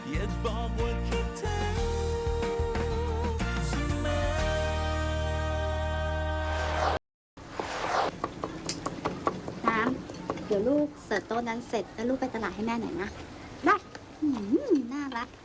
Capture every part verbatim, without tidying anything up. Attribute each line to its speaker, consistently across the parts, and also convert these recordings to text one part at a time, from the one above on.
Speaker 1: อยากบอกว่าคิดถึงเสมอ
Speaker 2: น้ำเดี๋ยวลูกเสิร์ฟโต๊ะนั้นเสร็จแล้วลูกไปตลาดให้แม่หน่อยนะได้อืมน่ารัก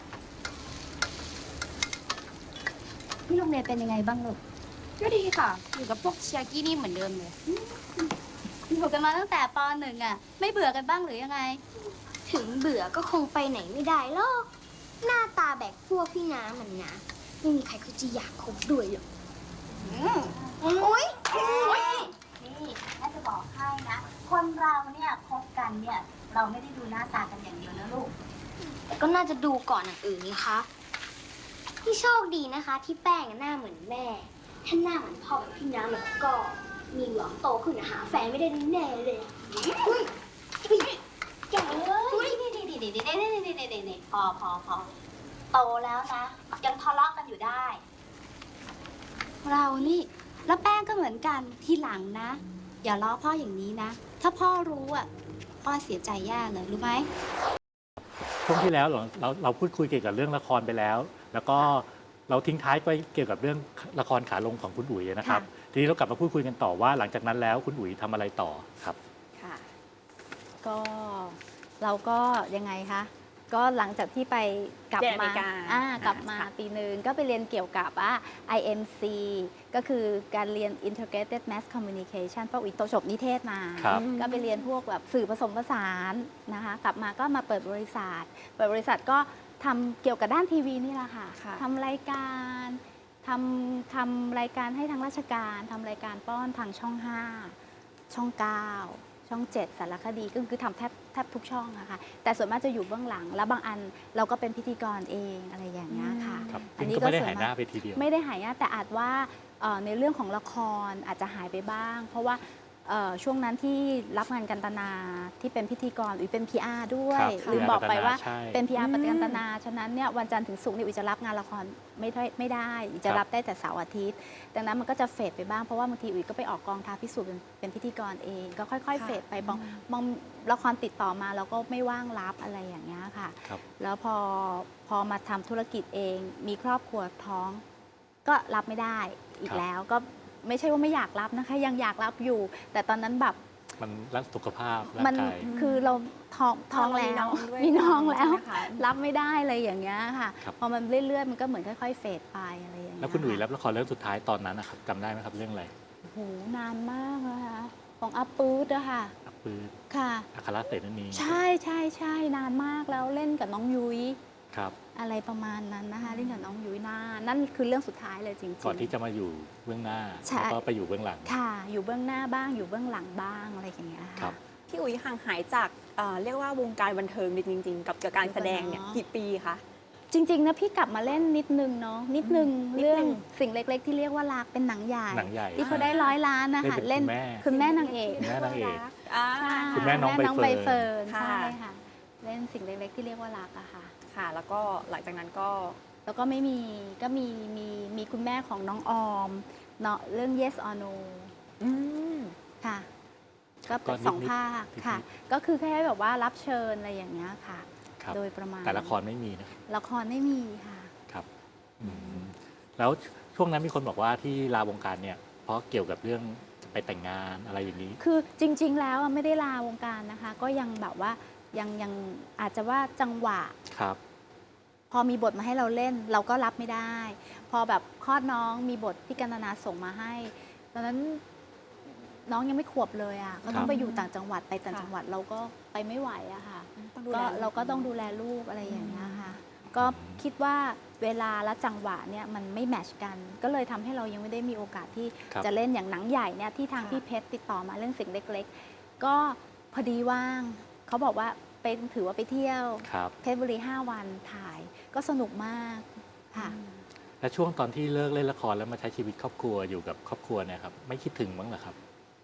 Speaker 2: ที่โรงเรียนเป็นยังไงบ้างลูก
Speaker 3: ก็ดีค่ะ อยู่กับพวกเชียร์กี้นี่เหมือนเดิมเลย
Speaker 2: อยู่กันมาตั้งแต่ปหนึ่งอ่ะ ไม่เบื่อกันบ้างหรือยังไง
Speaker 4: ถึงเบื่อก็คงไปไหนไม่ได้หรอก หน้าตาแบกพวกพี่น้ำมันนะไม่มีใครเขาจะอยากคบด้วยหรอกโอ๊ย
Speaker 2: นี่แม่จะบอกให้นะ คนเราเนี่ยคบกันเนี่ย เราไม่ได้ดูหน้าตากันอย่างเดียวนะลูก
Speaker 4: แต่ก็น่าจะดูก่อนอย่างอื่นนี่คะที่โชคดีนะคะ ที่แป้งหน้าเหมือนแม่ ถ้าหน้าเหมือนพ่อแบบพี่น้ำแล้วก็มีหวังโตขึ้นนะหาแฟนไม่ได้แน่เลยอุ้ยแกเอ้ย
Speaker 2: นี่นี่นี่นี่นี่นี่นี่นี่นี่นี่พอพอพอโตแล้วนะ ยังทะเลาะกันอยู่ได้ เรานี่ แล้วแป้งก็เหมือนกันทีหลังนะ อย่าล้อพ่ออย่างนี้นะ ถ้าพ่อรู้อ่ะ พ่อเสียใจแย่เลยรู้ไหม
Speaker 5: ช่วงที่แล้วเราเราเราพูดคุยเกี่ยวกับเรื่องละครไปแล้ว แล้วก็เราทิ้งท้ายไปเกี่ยวกับเรื่องละครขาลงของคุณอุ๋ยนะครับ ทีนี้เรากลับมาพูดคุยกันต่อว่าหลังจากนั้นแล้วคุณอุ๋ยทำอะไรต่อครับ
Speaker 6: ค่ะ ก็เราก็ยังไงคะ ก็หลังจากที่ไปกลับ
Speaker 3: เรียนอเม
Speaker 6: มา
Speaker 3: ริกา
Speaker 6: อ่ากลับมา
Speaker 3: ค่ะ
Speaker 6: ปีหนึ่งก็ไปเรียนเกี่ยวกับอ่า ไอ เอ็ม ซี ก็คือการเรียน Integrated Mass Communication เพราะอุ๋ยโตจบนิเทศมา
Speaker 5: ครับ
Speaker 6: ก็ไปเรียนพวกแบบสื่อผสมผสานนะคะ กลับมาก็มาเปิดบริษัท เปิดบริษัทก็ทำเกี่ยวกับด้านทีวีนี่แหละค่ะ
Speaker 3: ค่ะ
Speaker 6: ทำรายการทำทำรายการให้ทางราชการทำรายการป้อนทางช่องห้าช่องเก้าช่องเจ็ดสารคดีก็คือทำแทบแทบทุกช่องอะค่ะ แต่ส่วนมากจะอยู่เบื้องหลัง แล้วบางอันเราก็เป็นพิธีกรเองอะไรอย่างเงี้ยค่ะ
Speaker 5: ครับ
Speaker 6: อั
Speaker 5: ซึ่
Speaker 6: น
Speaker 5: ง
Speaker 6: นี้
Speaker 5: ก็ไม่ได้
Speaker 6: ส่ว
Speaker 5: หายหน้าไปทีเดียว
Speaker 6: ไม่ได้หายหน้าแต่อาจว่าเอ่อในเรื่องของละครอาจจะหายไปบ้าง เพราะว่าเอ่อช่วงนั้นที่รับงานกันตนาที่เป็นพิธีกรอุ๋ยเป็น พี อาร์ ด้วย
Speaker 5: ครับ
Speaker 6: ลืมบอกไปว่า
Speaker 5: ใช่
Speaker 6: เป็น พี อาร์ ปฏิกันตนา ฉะนั้นเนี่ยวันจันทร์ถึงศุกร์เนี่ยอุ๋ยจะรับงานละครไม่ได้ไม่ได้อุ๋ยจะรับได้แต่เสาร์อาทิตย์ ดังนั้นมันก็จะเฟดไปบ้าง เพราะว่าบางทีอุ๋ยก็ไปออกกองท้าพิสูจน์เป็นเป็นพิธีกรเอง ก็ค่อยๆ เฟดไปบางบางละครติดต่อมาเราก็ไม่ว่างรับอะไรอย่างเงี้ยค่ะ
Speaker 5: ครับ
Speaker 6: แล้วพอพอมาทำธุรกิจเอง มีครอบครัวท้อง ก็รับไม่ได้อี
Speaker 5: ค
Speaker 6: ก
Speaker 5: รับ
Speaker 6: แล้ว ก็ไม่ใช่ว่าไม่อยากรับนะคะ ยังอยากรับอยู่ แต่ตอนนั้นแบบ
Speaker 5: มันรักสุขภาพร่า
Speaker 6: มั
Speaker 5: ง
Speaker 6: น
Speaker 5: กาย
Speaker 6: คือเราท้องท้องแล้ว
Speaker 3: ด้วย
Speaker 6: มีน้องแล้ว
Speaker 3: ใช่ไหมคะ
Speaker 6: รับไม่ได้เลยอย่างเงี้ยค่ะ
Speaker 5: ครับ
Speaker 6: พอมันเรื่อยๆ มันก็เหมือนค่อย ๆ เฟดไปอะไรอย่างเงี้ย
Speaker 5: แล้วคุณอุ๋ย
Speaker 6: ะ
Speaker 5: รับละครเรื่องสุดท้ายตอนนั้นนะครับจำได้ไหมครับเรื่องอะไร
Speaker 6: โอ้โหนานมากนะคะของอาปืดอะค่ะ
Speaker 5: อักปืน
Speaker 6: ค่ะ
Speaker 5: อัครเสนี
Speaker 6: ใช่ใช่ใช่นานมากแล้วเล่นกับน้องยุ้ย
Speaker 5: ครับ
Speaker 6: อะไรประมาณนั้นนะคะเล่นกับน้องยุ้ยนานนั่นคือเรื่องสุดท้ายเลยจริงๆ
Speaker 5: ก่อนที่จะมาอยู่เบื้องหน้า
Speaker 6: ใช่
Speaker 5: แล้วก็ไปอยู่เบื้องหลัง
Speaker 6: ค่ะ อยู่เบื้องหน้าบ้างอยู่เบื้องหลังบ้างอะไรอย่างเงี้ย
Speaker 5: ครั
Speaker 6: ค่ะ
Speaker 5: บ
Speaker 3: พี่อุ๋ยห่างหายจากเอ่อเรียกว่าวงการบันเทิงจริง ๆ กับเกี่ยวกับการแสดงเนี่ย
Speaker 6: เนอะ
Speaker 3: กี่ปีคะ
Speaker 6: จริงๆนะพี่กลับมาเล่นนิดนึงเนาะนิดนึง
Speaker 3: นิดนึง
Speaker 6: เรื่องสิ่งเล็กๆ ที่เรียกว่ารักเป็นหนังใหญ่
Speaker 5: หนังใหญ่
Speaker 6: ที่เขาได้ร้อยล้านนะคะ
Speaker 5: เล่น
Speaker 6: เล่น
Speaker 5: เป็นคุณแม่
Speaker 6: คุณแม่นางเอก
Speaker 5: คุณแม่นางเอก
Speaker 3: อ่า
Speaker 6: ใช่
Speaker 5: คุณแม่น้องใบเฟิร์น
Speaker 6: ใบเฟิร์น
Speaker 3: ค่ะ
Speaker 6: ใช่ค่ะเล่นสิ่งเล็กๆ ที่เรียกว่ารักอะค่ะ
Speaker 3: ค่ะ แล้วก็หลังจากนั้นก็
Speaker 6: แล้วก็ไม่มีก็มีมีมีคุณแม่ของน้องออมเนาะเรื่อง yes or no
Speaker 3: อืม
Speaker 6: ค่ะ ก็เป็น
Speaker 5: ก็นิดๆ
Speaker 6: สองภาคค่ะ
Speaker 5: นิด
Speaker 6: ก็คือแค่แบบว่ารับเชิญอะไรอย่างเงี้ยค่ะ
Speaker 5: ครับ
Speaker 6: โดยประมาณ
Speaker 5: แต่ละครไม่มีนะครับ
Speaker 6: ละครไม่มีค่ะ
Speaker 5: ครับอืมแล้วช่วงนั้นมีคนบอกว่าที่ลาวงการเนี่ย เพราะเกี่ยวกับเรื่องไปแต่งงานอะไรอย่างนี้
Speaker 6: คือจริง ๆ แล้วอะไม่ได้ลาวงการนะคะ ก็ยังแบบว่ายังยังอาจจะว่าจังหวะ
Speaker 5: ครับ
Speaker 6: พอมีบทมาให้เราเล่น เราก็รับไม่ได้ พอแบบคลอดน้องมีบทที่กันตนาส่งมาให้ ตอนนั้นน้องยังไม่ขวบเลยอ่ะก็ต้อ
Speaker 5: ครั
Speaker 6: ง
Speaker 5: บ
Speaker 6: ไปอยู่ต่างจังหวัดไปต่าง
Speaker 3: ค่ะ
Speaker 6: จังหวัดเราก็ไปไม่ไหวอะค่ะ
Speaker 3: ต้องดู
Speaker 6: ก็
Speaker 3: แล
Speaker 6: เราก็ต้องดูแลลูกอะไรอย่างเงี้ยค่ะ ก็คิดว่าเวลาและจังหวะเนี่ยมันไม่แมทช์กัน ก็เลยทำให้เรายังไม่ได้มีโอกาสที่
Speaker 5: ครับ
Speaker 6: จะเล่นอย่างหนังใหญ่เนี่ยที่ทาง
Speaker 3: ค่ะ
Speaker 6: พี่เพชรติดต่อมาเรื่องสิ่งเล็กๆ ก็พอดีว่างเขาบอกว่าไปถือว่าไปเที่ยว
Speaker 5: ครับ
Speaker 6: เพชรบุรีห้าวันถ่ายก็สนุกมากค่ะ
Speaker 5: และช่วงตอนที่เลิกเล่นละครแล้วมาใช้ชีวิตครอบครัวอยู่กับครอบครัวเนี่ยครับไม่คิดถึงบ้างเหรอครับ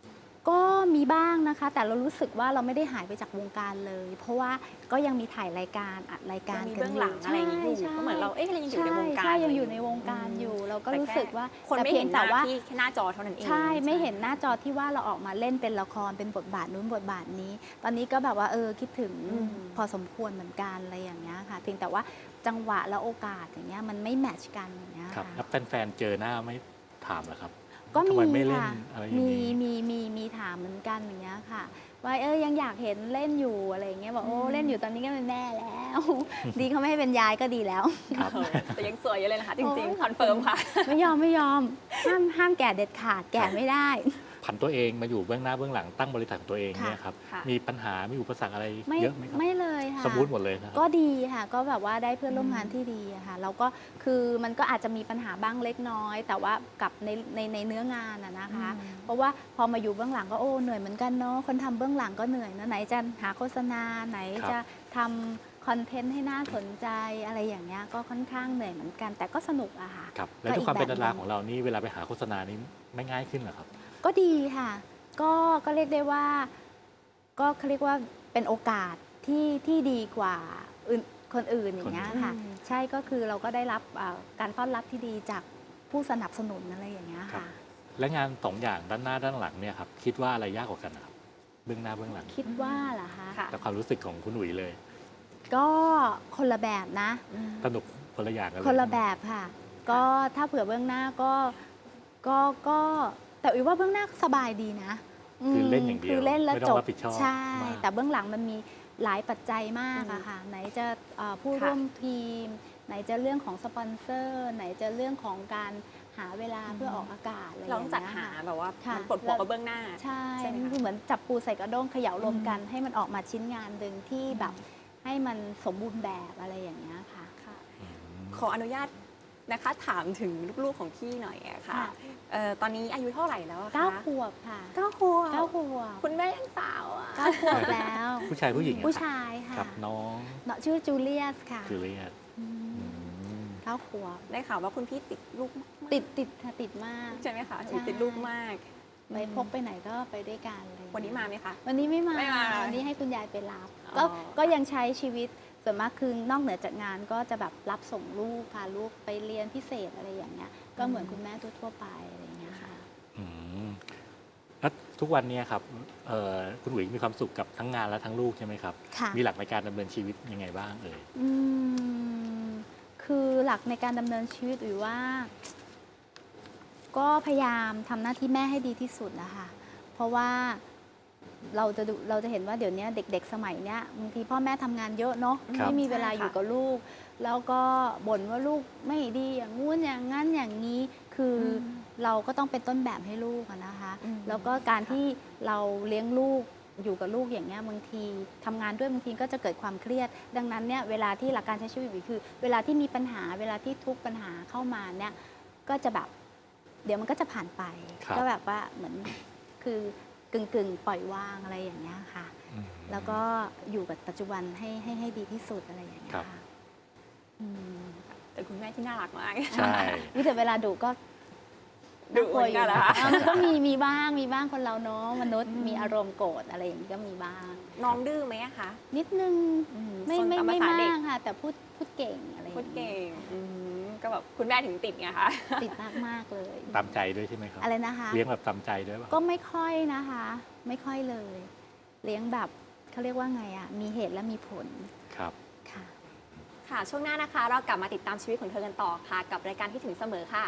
Speaker 6: ก็มีบ้างนะคะ แต่เรารู้สึกว่าเราไม่ได้หายไปจากวงการเลย เพราะว่าก็ยังมีถ่ายรายการอัดรายการ
Speaker 3: ยังมี
Speaker 6: กัน
Speaker 3: เบื้องหลังอะไรอย่างงี้อยู่
Speaker 6: ใช่
Speaker 3: ก็เหมือนเราเอ๊ะเรายังอยู่ในวงการ
Speaker 6: ใช่ใช่ยัง
Speaker 3: อะไร
Speaker 6: อยู่ในวงการอยู่ เราก็
Speaker 3: แต่
Speaker 6: รู้
Speaker 3: แค่
Speaker 6: สึกว่า
Speaker 3: คน
Speaker 6: แต่
Speaker 3: ไม่
Speaker 6: พีย
Speaker 3: เห็
Speaker 6: ง
Speaker 3: นห
Speaker 6: แต่
Speaker 3: น้า
Speaker 6: ว่า
Speaker 3: ที่แค่หน้าจอเท่านั้นเอง
Speaker 6: ใช่ไม่เห็นหน้าจอที่ว่าเราออกมาเล่นเป็นละครเป็นบทบาทนู้นบทบาทนี้ ตอนนี้ก็แบบว่าเออคิดถึง
Speaker 3: อืม
Speaker 6: พอสมควรเหมือนกันอะไรอย่างเงี้ยค่ะ เพียงแต่ว่าจังหวะและโอกาสอย่างเงี้ยมันไม่แมทช์กันอย่างเงี้ย
Speaker 5: ครับ
Speaker 6: ค่ะ
Speaker 5: แล้วแฟนๆเจอหน้าไม่ถามเหรอครับ
Speaker 6: ก็
Speaker 5: ทำ
Speaker 6: มี
Speaker 5: ไมไม่เล่น
Speaker 6: ค่ะ
Speaker 5: อะไรอย่าง
Speaker 6: มี
Speaker 5: นี้
Speaker 6: มีมีมีถามเหมือนกันอย่างเงี้ยค่ะ ว่าเออยังอยากเห็นเล่นอยู่อะไรอย่างเงี้ยบอกโอ้เล่นอยู่ตอนนี้ก็เป็นแม่แล้ว ดีเขาไม่ให้เป็นยายก็ดีแล้ว
Speaker 5: ครับ
Speaker 3: เออแต่ยังสวยอยู่เลยนะคะจริง
Speaker 6: โอ้ย
Speaker 3: ๆคอนเฟิร์มค่ะ
Speaker 6: ไม่ยอมไม่ยอมห้ามห้ามแก่เด็ดขาดแก่ไม่ได้
Speaker 5: ผันตัวเองมาอยู่เบื้องหน้าเบื้องหลังตั้งบริษัทของตัวเอง
Speaker 6: ค่ะ
Speaker 5: เนี่ยครับ
Speaker 3: ค่ะ
Speaker 5: มีปัญหา มีอุปสรรคอะไร
Speaker 6: ไม่
Speaker 5: เยอะไหมครับ
Speaker 6: ไม่เลยค่ะ
Speaker 5: สมูทหมดเลยนะครับ
Speaker 6: ก็ดีค่ะ ก็แบบว่าได้เพื่อนร่วมงานที่ดีอะค่ะแล้วก็คือมันก็อาจจะมีปัญหาบ้างเล็กน้อย แต่ว่ากับในในในเนื้องานอะนะคะ เพราะว่าพอมาอยู่เบื้องหลังก็โอ้เหนื่อยเหมือนกันเนาะคนทำเบื้องหลังก็เหนื่อยนะไหนจะหาโฆษณาไหน
Speaker 5: ครับ
Speaker 6: จะทำคอนเทนต์ให้น่าสนใจอะไรอย่างเงี้ยก็ค่อนข้างเหนื่อยเหมือนกัน แต่ก็สนุกอะค่ะ
Speaker 5: ครับ และ
Speaker 6: ก็
Speaker 5: ด้วยความ
Speaker 6: อีก
Speaker 5: เป็นดารา
Speaker 6: แบบหนึ่ง
Speaker 5: ของเรานี่เวลาไปหาโฆษณานี่ไม่ง่ายขึ้นเหรอครับ
Speaker 6: ก็ดีค่ะ ก็ก็เรียกได้ว่า ก็เขาเรียกว่าเป็นโอกาสที่ที่ดีกว่าอื่นคนอื่นอย่างเงี้ยค่ะ
Speaker 3: อืม
Speaker 6: ใช่ก็คือเราก็ได้รับอ่าการต้อนรับที่ดีจากผู้สนับสนุนอะไรอย่างเงี้ย
Speaker 5: ครับ
Speaker 6: ค่ะ
Speaker 5: และงานสองอย่างด้านหน้าด้านหลังเนี่ยครับคิดว่าอะไรยากกว่ากันนะครับเบื้องหน้าเบื้องหลัง
Speaker 6: คิดว่าเหรอคะ
Speaker 3: ค่ะ
Speaker 5: แต่ความรู้สึกของคุณอุ๋ยเลย
Speaker 6: ก็คนละแบบนะ
Speaker 5: สนุกคนละอย่างกันเลย
Speaker 6: คนละแบบค่ะ ก็ถ้าเผื่อเบื้องหน้าก็ก็ก็แต่อุ๋ยว่าเบื้องหน้าก็สบายดีนะ
Speaker 5: คือเล่นอย่างเดียว
Speaker 6: คือเล่นแล้ว
Speaker 5: ไม่ต้
Speaker 6: จ
Speaker 5: อง
Speaker 6: บ
Speaker 5: รับผิดชอบ
Speaker 6: ใช่
Speaker 5: มาก
Speaker 6: แต่เบื้องหลังมันมีหลายปัจจัยมากอะค่ะ ไหนจะเอ่อผู้
Speaker 3: ค่ะ
Speaker 6: ร่วมทีม ไหนจะเรื่องของสปอนเซอร์ ไหนจะเรื่องของการหาเวลาเพื่อออกอากาศอะไรอย่าง
Speaker 3: เรา
Speaker 6: เงี้
Speaker 3: ต้อย งจัดหา
Speaker 6: ค่ะ
Speaker 3: แบบว่า
Speaker 6: ค่ะ
Speaker 3: มันปลดปลอกกับเบื้องหน้า
Speaker 6: ใช่
Speaker 3: ใช่ไหมคะ
Speaker 6: คือเหมือนจับปูใส่กระด้งเขย่ารวมกันให้มันออกมาชิ้นงานหนึ่งที่แบบให้มันสมบูรณ์แบบอะไรอย่างเงี้ยค่ะ
Speaker 5: อืม
Speaker 3: ขออนุญาตนะคะถามถึงลูกๆของพี่หน่อยอะค่ะ
Speaker 6: ค่ะ
Speaker 3: เอ่อตอนนี้อายุเท่าไหร่แล้วอะคะ
Speaker 6: เก้าขวบค่ะ
Speaker 3: เก้าขวบ
Speaker 6: เก้าขวบ
Speaker 3: คุณแม่ยังสาวอะ
Speaker 6: เก้าขวบแล้ว
Speaker 5: ผู้ชายผู้หญิงอะ
Speaker 6: ผู้
Speaker 5: ครับ
Speaker 6: ชายค่ะ
Speaker 5: ครับน้อง
Speaker 6: เนาะชื่อจูเลียสค่ะ
Speaker 5: คือเรียน
Speaker 6: อืม
Speaker 5: อืม
Speaker 6: เก้าขวบ
Speaker 3: ได้ข่าวว่าคุณพี่ติดลูกมาก
Speaker 6: ติดติดค่ะติดมาก
Speaker 3: ใช่ไหมคะ
Speaker 6: ใช่
Speaker 3: ติดลูกมาก
Speaker 6: ไปพกไปไหนก็ไปด้วยกันอะไรอย่างเงี้ย
Speaker 3: วันนี้มาไหมคะ
Speaker 6: วันนี้ไม่มา
Speaker 3: ไม่มา
Speaker 6: วันนี้ให้คุณยายไปรับ
Speaker 3: อ๋อ
Speaker 6: ก็ก็ยังใช้ชีวิตส่วนมากคือนอกเหนือจากงานก็จะแบบรับส่งลูกพาลูกไปเรียนพิเศษอะไรอย่างเงี้ย ก็เหมือนคุณแม่ทั่วๆไปอะไรอย่างเงี้ยค่ะ
Speaker 5: อืมแล้วทุกวันเนี้ครับเอ่อคุณอุ๋ยมีความสุขกับทั้งงานและทั้งลูกใช่ไหมครับ
Speaker 6: ค่ะ
Speaker 5: มีหลักในการดำเนินชีวิตยังไงบ้างเอ่ย
Speaker 6: อืมคือหลักในการดำเนินชีวิตอุ๋ยว่า ก็พยายามทำหน้าที่แม่ให้ดีที่สุดนะคะ เพราะว่าเราจะดูเราจะเห็นว่าเดี๋ยวนี้เด็ก ๆ สมัยเนี้ยบางทีพ่อแม่ทำงานเยอะเนาะ
Speaker 5: ครับ
Speaker 6: ไม่มีเวลา
Speaker 3: ใช่ค่ะ
Speaker 6: อยู่กับลูก แล้วก็บ่นว่าลูกไม่ดีอย่างงู้นอย่างงั้นอย่างนี้ คืออเราก็ต้องเป็นต้นแบบให้ลูกอะนะคะ
Speaker 3: อืม
Speaker 6: แล้วก็การที่เราเลี้ยงลูกอยู่กับลูกอย่างเงี้ยบางทีทำงานด้วยบางทีก็จะเกิดความเครียด ดังนั้นเนี่ยเวลาที่หลักการใช้ชีวิตคือ เวลาที่มีปัญหา เวลาที่ทุกปัญหาเข้ามาเนี่ยก็จะแบบ เดี๋ยวมันก็จะผ่านไป
Speaker 5: ครับ
Speaker 6: ก็แบบว่าเหมือนคือกึ่งกึ่งๆ ปล่อยวางอะไรอย่างเงี้ยค่ะ
Speaker 5: อืม
Speaker 6: แล้วก็อยู่กับปัจจุบันให้ให้ให้ดีที่สุดอะไรอย่างเงี้ย
Speaker 5: ครับ
Speaker 6: ค่ะอืม
Speaker 3: แต่คุณแม่ที่น่ารักมาก
Speaker 5: ใช่
Speaker 6: วิแต่เวลาดุก็
Speaker 3: ดุ
Speaker 6: น่ากลัวอยู่
Speaker 3: เหมือนกันเหรอ
Speaker 6: นะ
Speaker 3: คะ
Speaker 6: อ่ะมันก็มีมีบ้างมีบ้างคนเราเนาะมนุษย์มีอารมณ์โกรธอะไรอย่างนี้ก็มีบ้าง
Speaker 3: น้องดื้อไหมอะคะ
Speaker 6: นิดนึง
Speaker 3: อื
Speaker 6: ไม่
Speaker 3: ซน
Speaker 6: ไม่
Speaker 3: ตา
Speaker 6: ไม่
Speaker 3: ภษ
Speaker 6: มา
Speaker 3: เด็
Speaker 6: กค่ะ แต่พูดพูดเก่งอะไรอย่าง
Speaker 3: พูด
Speaker 6: เงี้
Speaker 3: เก่
Speaker 6: ย
Speaker 3: งอืมก็แบบคุณแม่ถึงติดไงคะ
Speaker 6: ติดมากมากๆเลย
Speaker 5: ตามใจด้วยใช่ไหมครับ
Speaker 6: อะไรนะคะ
Speaker 5: เลี้ยงแบบตามใจด้วยป่ะ
Speaker 6: ก็ไม่ค่อยนะคะ ไม่ค่อยเลย เลี้ยงแบบเขาเรียกว่าไงอ่ะ มีเหตุและมีผล
Speaker 5: ครับ
Speaker 6: ค่ะ
Speaker 3: ค่ะ ช่วงหน้านะคะ เรากลับมาติดตามชีวิตของเธอกันต่อค่ะ กับรายการที่ถึงเสมอค่ะ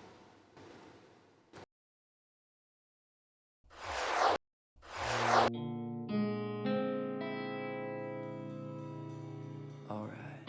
Speaker 1: alright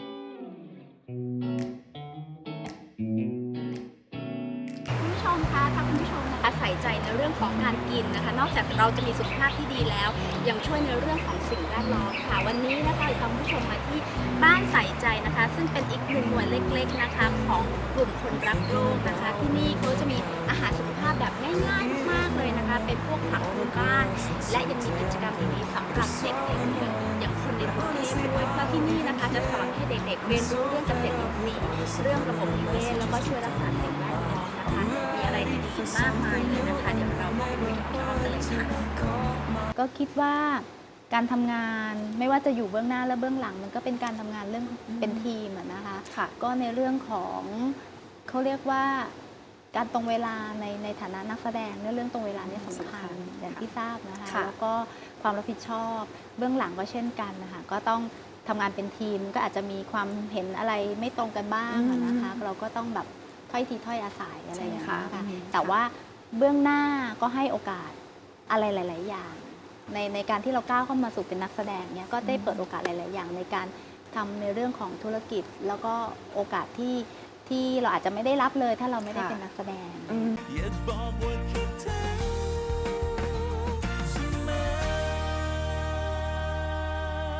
Speaker 6: คุณผู้ชมคะถ้าคุณผู้ชมนะคะใส่ใจในเรื่องของการกินนะคะ นอกจากเราจะมีสุขภาพที่ดีแล้ว ยังช่วยในเรื่องของสิ่งแวดล้อมค่ะ วันนี้นะคะพาคุณผู้ชมมาที่บ้านใส่ใจนะคะ ซึ่งเป็นอีกหนึ่งหน่วยเล็กๆนะคะ ของกลุ่มคนรักโลกนะคะ ที่นี่เขาจะมีอาหารสุขภาพแบบง่ายๆมากๆเลยนะคะ เป็นพวกผักพื้นบ้าน และยังมีกิจกรรมดีๆสำหรับเด็กๆด้วยอย่างคนในกรุงเทพด้วยเพราะที่นี่นะคะจะสอนให้เด็กๆเรียนรู้เรื่องเกษตรอินทรีย์เรื่องระบบนิเวศแล้วก็ช่วยรักษาสิ่งแวดล้อมนะคะ มีอะไรดีๆอีกมากมายเลยนะคะ เดี๋ยวเรามาคุยกับพี่อ้อมกันเลยค่ะ ก็คิดว่าการทำงานไม่ว่าจะอยู่เบื้องหน้าและเบื้องหลัง มันก็เป็นการทำงานเรื่องเป็นทีมอะนะคะ
Speaker 3: ค่ะ
Speaker 6: ก็ในเรื่องของเขาเรียกว่าการตรงเวลาในในฐานะนักแสดงเนี่ยเรื่องตรงเวลาเนี่ยสำคัญอย่างที่ทราบนะคะ
Speaker 3: ค่ะ
Speaker 6: แล้วก็ความรับผิดชอบเบื้องหลังก็เช่นกันนะคะก็ต้องทำงานเป็นทีมก็อาจจะมีความเห็นอะไรไม่ตรงกันบ้างอะนะคะ เราก็ต้องแบบถ้อยทีถ้อยอาศัยอะไรอย่างเงี้ย
Speaker 3: ใช่
Speaker 6: ค่ะ
Speaker 3: ค่ะ
Speaker 6: แต่ว่าเบื้องหน้าก็ให้โอกาสอะไรหลาย ๆ อย่าง ในในการที่เราก้าวเข้ามาสู่เป็นนักแสดงเนี่ยก็ได้เปิดโอกาสหลาย ๆ อย่างในการทำในเรื่องของธุรกิจ แล้วก็โอกาสที่ที่เราอาจจะไม่ได้รับเลยถ้าเราไม่ได้
Speaker 3: ค่ะ
Speaker 6: เป็นนักแสดง
Speaker 3: อืม
Speaker 1: อยากบอกว่าคิดถึง